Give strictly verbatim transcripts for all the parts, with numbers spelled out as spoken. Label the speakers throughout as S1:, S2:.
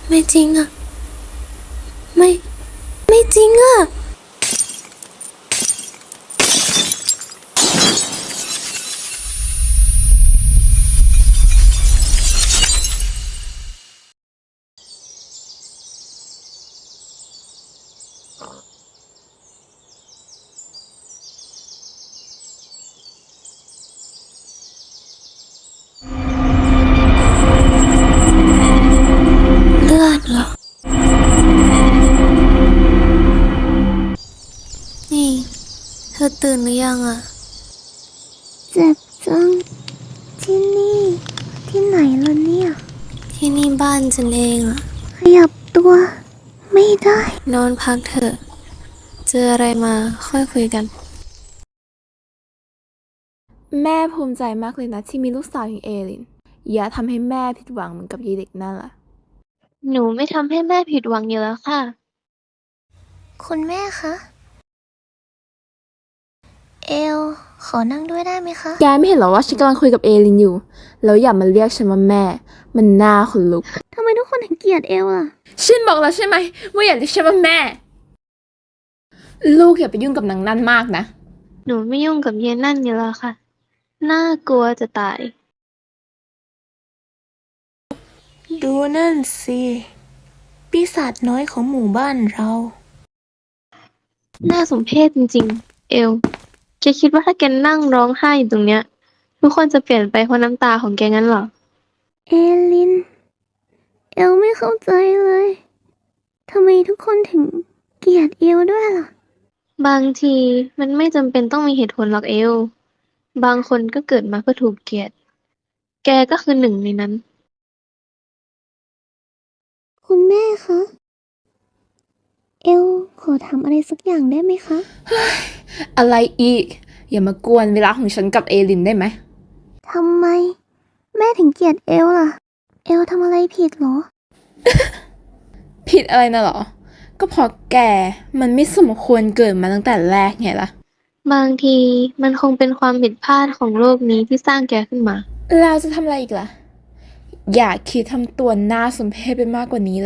S1: ไม่จริงอะไม่ ไม่จริงอะเลือดเหรอ นี่ เธอตื่นหรือยังอะ
S2: เจ็บจัง ที่นี่ ที่ไหนล่ะเนี่ย
S1: ที่นี่บ้านฉันเองอะ
S2: ขยับตัว ไม่ได้
S1: นอนพักเถอะ เจออะไรมาค่อยคุยกัน
S3: แม่ภูมิใจมากเลยนะที่มีลูกสาวอย่างเอลิน อย่าทำให้แม่ผิดหวังเหมือนกับยายเด็กนั่นล่ะ
S4: หนูไม่ทำให้แม่ผิดหวังอยู่แล้วค่ะ
S2: คุณแม่คะ เอล ขอนั่งด้วยได้ไหมคะ
S3: แกไม่เห็นเหรอว่าฉันกำลังคุยกับเอลินอยู่ แล้วอย่ามาเรียกฉันว่าแม่ มันน่าขนลุก
S2: ทำไมทุกคนถึงเกลียดเอลล่ะ
S3: ฉันบอกแล้วใช่ไหมว่าอย่าเรียกฉันว่าแม่ ลูกอย่าไปยุ่งกับนางนั่นมากนะ
S4: หนูไม่ยุ่งกับเยนั่นอยู่แล้วค่ะ น่ากลัวจะตาย
S5: ดูนั่นสิ ปีศาจน้อยของหมู่บ้านเรา
S4: น่าสมเพชจริงๆ เอล แกคิดว่าถ้าแกนั่งร้องไห้อยู่ตรงเนี้ย ทุกคนจะเปลี่ยนไปเพราะน้ำตาของแกงั้นเหรอ
S2: เอลิน เอลไม่เข้าใจเลย ทำไมทุกคนถึงเกลียดเอลด้วยล่ะ
S4: บางทีมันไม่จำเป็นต้องมีเหตุผลหรอกเอล บางคนก็เกิดมาเพื่อถูกเกลียด แกก็คือหนึ่งในนั้น
S2: คุณแม่คะ เอล ขอทำอะไรสักอย่างได้ไหมคะ
S3: อะไรอีก อย่ามากวนเวลาของฉันกับเอลินได้ไหม
S2: ทำไม แม่ถึงเกลียดเอลล่ะ เอลทำอะไรผิดเหรอ
S3: ผิดอะไรนะเหรอ ก็เพราะแกมันไม่สมควรเกิดมาตั้งแต่แรกไงล่ะ
S4: บางทีมันคงเป็นความผิดพลาดของโลกนี้ที่สร้างแกขึ้นมา
S3: เราจะทำอะไรอีกล่ะ อย่าคิดทำตัวน่าสมเพชไปมากกว่านี้เลย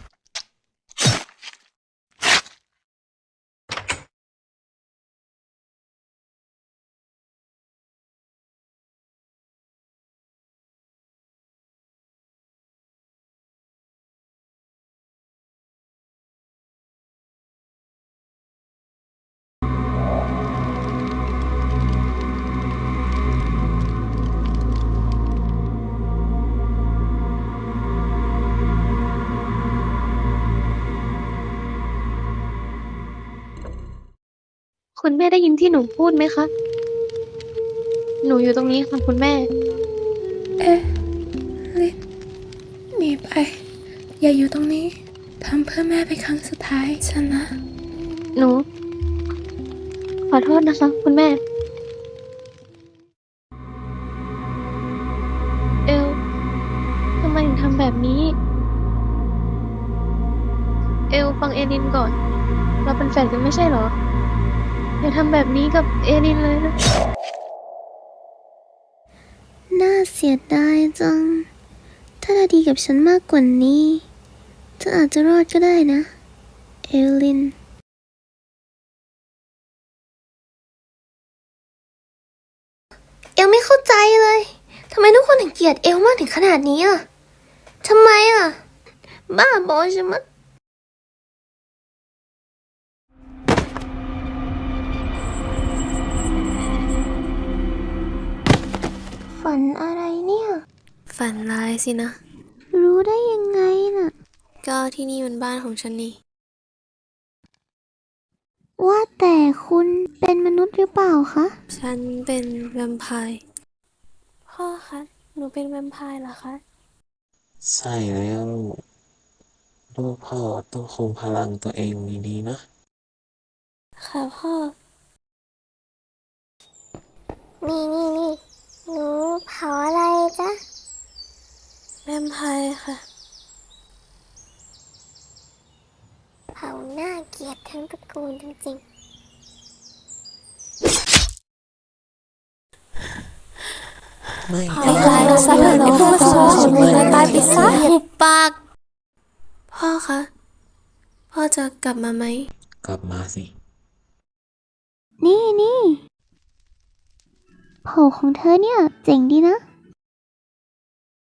S4: คุณแม่ได้ยินที่หนูพูดไหมคะ หนูอยู่ตรงนี้ค่ะคุณแม่
S3: เอ๊ะลินหนีไป อย่าอยู่ตรงนี้ ทำเพื่อแม่เป็นครั้งสุดท้ายฉันนะ
S4: หนู ขอโทษนะคะ คุณแม่ เอล ทำไมถึงทำแบบนี้ เอลฟังเอลินก่อน เราเป็นแฟนกันไม่ใช่เหรอ อย่าทำแบบนี้กับเอลินเลยนะ
S2: น่าเสียดายจัง ถ้าเธอดีกับฉันมากกว่านี้เธออาจจะรอดก็ได้นะ เอลิน เอลไม่เข้าใจเลย ทำไมทุกคนถึงเกลียดเอลมากถึงขนาดนี้อ่ะ ทำไมอ่ะ บ้าบอใช่ไหมะฝันอะไรเนี่ย
S1: ฝันร้ายสินะ
S2: รู้ได้ยังไงน่ะ
S1: ก็ที่นี่มันบ้านของฉันนี่
S2: ว่าแต่คุณเป็นมนุษย์หรือเปล่าคะ
S1: ฉันเป็นแวมไพร์ พ่อคะ หนูเป็นแวมไพร์เหรอคะ
S6: ใช่แล้วลูกพ่อต้องคุมพลังตัวเองดีๆนะ
S1: ค่ะพ่อ
S2: นี่นี่นี่หนูเผาอะไรจ๊ะ
S1: แวมไพร์ค่ะ
S2: เผาหน้าเกลียดทั้งตระกูลจริงๆ
S6: ไม่
S1: ไอ้กลายเป็นสัตว์นรกผู้สวยตายไปซะหุบปากพ่อคะ พ่อจะกลับมาไหม
S6: กลับมาสิ
S2: นี่นี่โผของเธอเนี่ย เจ๋งดีนะ